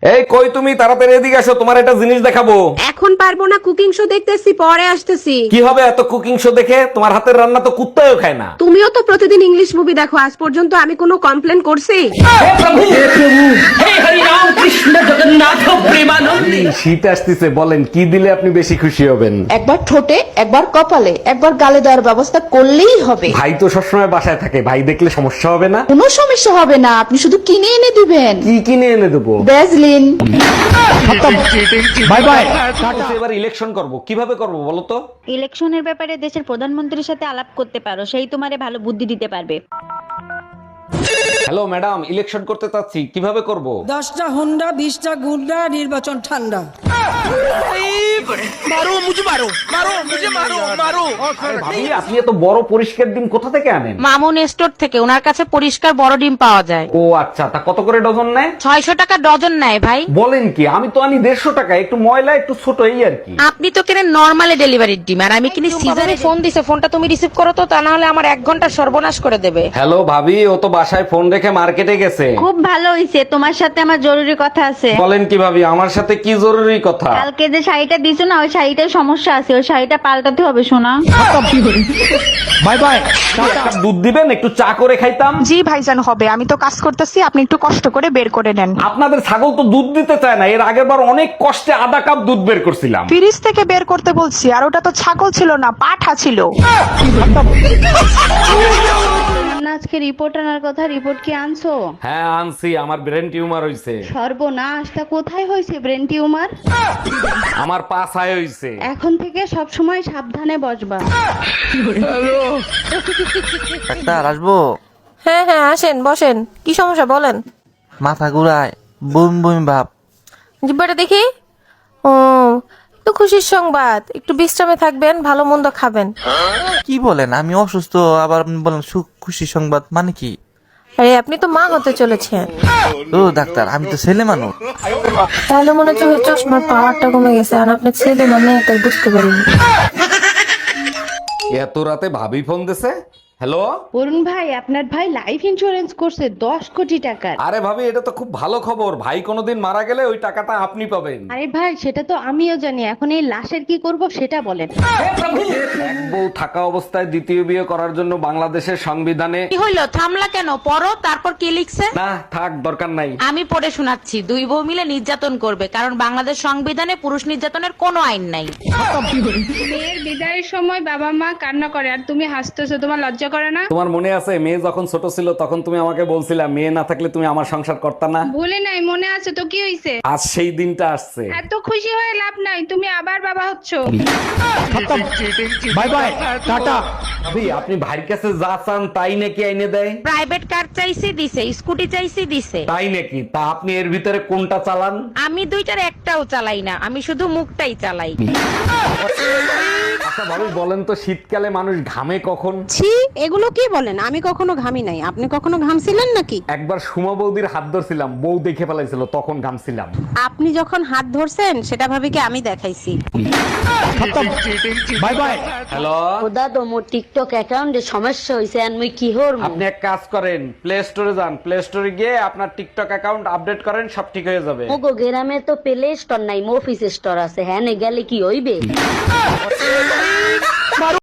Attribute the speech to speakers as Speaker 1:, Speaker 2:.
Speaker 1: এই কই তুমি, তাড়াতাড়ি এদিকে আসো, তোমার একটা জিনিস দেখাবো।
Speaker 2: এখন পারবো না, কুকিং শো দেখতেছি, পরে আসতেছি।
Speaker 1: কি হবে এত কুকিং শো দেখে? তোমার হাতের রান্না তো কুত্তাও খায় না।
Speaker 2: তুমিও তো প্রতিদিন ইংলিশ মুভি দেখো, আজ পর্যন্ত আমি কোনো কমপ্লেন করছি?
Speaker 1: শীত আসতেছে, বলেন কি দিলে আপনি বেশি খুশি হবেন?
Speaker 3: একবার ঠোঁটে, একবার কপালে, একবার গালে দেওয়ার ব্যবস্থা করলেই হবে।
Speaker 1: ভাই তো সবসময় বাসায় থাকে, ভাই দেখলে সমস্যা হবে না?
Speaker 3: কোনো সমস্যা হবে না, আপনি শুধু কিনে এনে দিবেন।
Speaker 1: কি কিনে এনে দেবো?
Speaker 3: ভ্যাসলিন।
Speaker 1: Bye bye. এবার ইলেকশন করব, কিভাবে করব বলো তো?
Speaker 4: ইলেকশনের ব্যাপারে দেশের প্রধানমন্ত্রীর সাথে আলাপ করতে পারো, সেই তোমারে ভালো বুদ্ধি দিতে পারবে।
Speaker 1: হ্যালো ম্যাডাম, ইলেকশন করতে চাচ্ছি, কিভাবে করব?
Speaker 5: 10টা হুন্ডা 20টা গুন্ডা, নির্বাচন ঠান্ডা।
Speaker 1: আরে ভাবি, আপনি এত বড় পরিষ্কার ডিম কোথা থেকে আনেন?
Speaker 2: মামুন স্টোর থেকে, ওনার কাছে পরিষ্কার বড় ডিম পাওয়া যায়।
Speaker 1: ও আচ্ছা, তা কত করে ডজন নেয়?
Speaker 2: 600 টাকা ডজন নেয় ভাই।
Speaker 1: বলেন কি, আমি তো আনি 150 টাকা, একটু ময়লা একটু ছোট এই আর কি।
Speaker 2: আপনি তো কেনেন নরমালি ডেলিভারির ডিম, আর আমি কিনি সিজারে। ফোন দিছে, ফোনটা তুমি রিসিভ করো তো, তা না হলে আমার 1 ঘন্টা সর্বনাশ করে দেবে।
Speaker 1: হ্যালো ভাবি, ও তো বাসায় ফোন রেখে মার্কেটে গেছে।
Speaker 4: খুব ভালো হইছে, তোমার সাথে আমার জরুরি কথা আছে।
Speaker 1: বলেন কি ভাবি, আমার সাথে কি জরুরি কথা?
Speaker 4: কালকে যে শাড়িটা দিছো না, ওই শাড়িটার সমস্যা আছে, ওই শাড়িটা পাল্টাতে হবে শোনা।
Speaker 1: Bye bye. এক কাপ দুধ দিবেন, একটু চা করে খাইতাম।
Speaker 6: জি ভাইজান হবে, আমি তো কাজ করতেছি, আপনি একটু কষ্ট করে বের করে নেন।
Speaker 1: আপনাদের ছাগল তো দুধ দিতে চায় না, এর আগের বার অনেক কষ্টে আধা কাপ দুধ বের করছিলাম।
Speaker 6: ফ্রিজ থেকে বের করতে বলছি, আর ওটা তো ছাগল ছিল না, পাঠা ছিল।
Speaker 4: আজকে রিপোর্ট আনার কথা, রিপোর্ট কি আনছো?
Speaker 1: হ্যাঁ আনছি, আমার ব্রেন টিউমার হইছে।
Speaker 4: সর্বনাশ, তা কোথায় হয়েছে ব্রেন টিউমার?
Speaker 1: আমার পাছায় হইছে।
Speaker 4: এখন থেকে সব সময় সাবধানে বসবা।
Speaker 7: ডাক্তার আসবো?
Speaker 8: হ্যাঁ হ্যাঁ আসেন, বসেন। কি সমস্যা বলেন?
Speaker 7: মাথা ঘুরায়, বমি বমি ভাব।
Speaker 8: জিব্বাটা দেখি। ও, তো খুশির সংবাদ, একটু বিশ্রামে থাকবেন, ভালো মন্দ খাবেন।
Speaker 7: কি বলেন, আমি অসুস্থ, আবার আপনি বলেন সুখ খুশি সংবাদ, মানে কি?
Speaker 8: আরে আপনি তো মা হতে চলেছেন।
Speaker 7: ও ডাক্তার, আমি তো ছেলে মানুষ।
Speaker 8: তাহলে মনে হচ্ছে ওই চশমার পাওয়ারটা কমে গেছে, আর আপনার ছেলে মানে তাই বুঝতে পারিনি।
Speaker 1: এত রাতে ভাবি ফোন দিছে। হ্যালো
Speaker 4: অরুণ ভাই, আপনার ভাই লাইফ ইন্স্যুরেন্স করছে 10 কোটি টাকার।
Speaker 1: আরে ভাবি, এটা তো খুব ভালো খবর। ভাই কোনোদিন মারা গেলে ওই টাকাটা আপনি পাবেন।
Speaker 4: আরে ভাই, সেটা তো আমিও জানি, এখন এই লাশের কি করব সেটা বলেন।
Speaker 1: এক বউ থাকা অবস্থায় দ্বিতীয় বিয়ে করার জন্য বাংলাদেশের সংবিধানে।
Speaker 2: কি হইলো, থামলা কেন? পড়ো, তারপর কি লিখছে?
Speaker 1: না থাক, দরকার নাই।
Speaker 2: আমি পড়ে শোনাচ্ছি। 2 বউ মিলে নির্যাতন করবে, কারণ বাংলাদেশ সংবিধানে পুরুষ নির্যাতনের কোনো আইন নাই।
Speaker 9: মেয়ের বিদায়ের সময় বাবা মা কান্না করে আর তুমি হাসতেছো, তোমার লজ্জা করে না?
Speaker 1: তোমার মনে আছে, মেয়ে যখন ছোট ছিল তখন তুমি আমাকে বলছিলা মেয়ে না থাকলে তুমি আমার সংসার করতা না।
Speaker 9: ভুলে নাই, মনে আছে তো? কি হইছে?
Speaker 1: আজ সেই দিনটা আসছে।
Speaker 9: এত খুশি হয়ে লাভ নাই, তুমি আবার বাবা হচ্ছো।
Speaker 1: Bye bye, tata. ভাবি, আপনি ভাইয়ের কাছে যা চান তাই নাকি আইনে দেয়?
Speaker 2: প্রাইভেট কার চাইছি দিছে, স্কুটি চাইছি দিছে।
Speaker 1: তাই নাকি? তা আপনি এর ভিতরে কোনটা চালান?
Speaker 2: আমি দুইটার একটাও চালাই না, আমি শুধু মুখটাই চালাই।
Speaker 1: আচ্ছা ভাবি, বলেন তো শীতকালে মানুষ ঘামে কখন?
Speaker 2: ছি, এগুলো কি বলেন? আমি কখনো ঘামি নাই। আপনি কখনো ঘামছিলেন নাকি?
Speaker 1: একবার সুমা বৌদির হাত ধরছিলাম, বউ দেখে ফেলাইছিল, তখন ঘামছিলাম।
Speaker 2: আপনি যখন হাত ধরছেন সেটা ভাবি কি আমি দেখাইছি?
Speaker 1: Bye bye. হ্যালো,
Speaker 10: খোদা তো মোর টিকটক অ্যাকাউন্টে সমস্যা হইছে, আর মুই কি হরমু?
Speaker 1: আপনি এক কাজ করেন, প্লে স্টোরে যান, প্লে স্টোরে গিয়ে আপনার টিকটক অ্যাকাউন্ট আপডেট করেন, সব ঠিক হয়ে যাবে।
Speaker 10: মোগো গ্রামে তো প্লে স্টোর নাই, মফিস স্টোর আছে, হ্যাঁ নে গেলে কি হইবে?